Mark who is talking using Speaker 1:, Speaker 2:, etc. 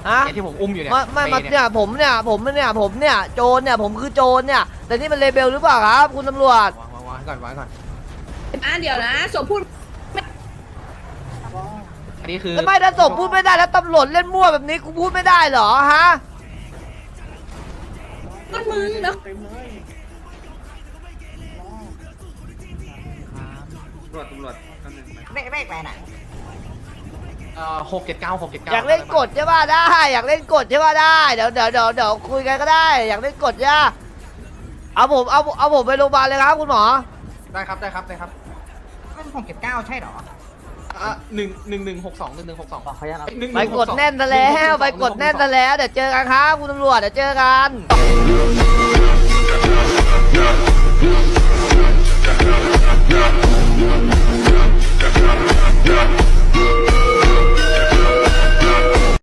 Speaker 1: ฮะ
Speaker 2: ที่ผมอุ้มอยู่เนี่ย
Speaker 1: ไม่เนี่ยผมเนี่ยโจรเนี่ยผมคือโจรเนี่ยแต่นี่มันเลเบลหรือเปล่าครับคุณตำรวจ
Speaker 2: วางก่อน
Speaker 3: เดี๋ยวนะศพพูด
Speaker 2: อันนี้คือ
Speaker 1: แล้วไม่ถ้าศพพูดไม่ได้แล้วตำรวจเล่นมั่วแบบนี้กูพูดไม่ได้เหรอฮะ
Speaker 3: มันมึงแล้ว
Speaker 4: ตำรวจ
Speaker 5: ไม่ไปไหน
Speaker 2: 679
Speaker 1: อยากเล่นกดใช่ป่ะได้อยากเล่นกดใช่ป่ะได้เดี๋ยวคุยกันก็ได้อยากเล่นกดใช่ป่ะเอาผมไปโรงพยาบาลเลยครับคุณหมอ
Speaker 2: ได้ครับ
Speaker 5: มัน679ใช่หรอ
Speaker 2: 1162
Speaker 1: ไปกดแน่นซะแล้วไปกดแน่นซะแล้วเดี๋ยวเจอกันครับคุณตำรวจเดี๋ยวเจอกัน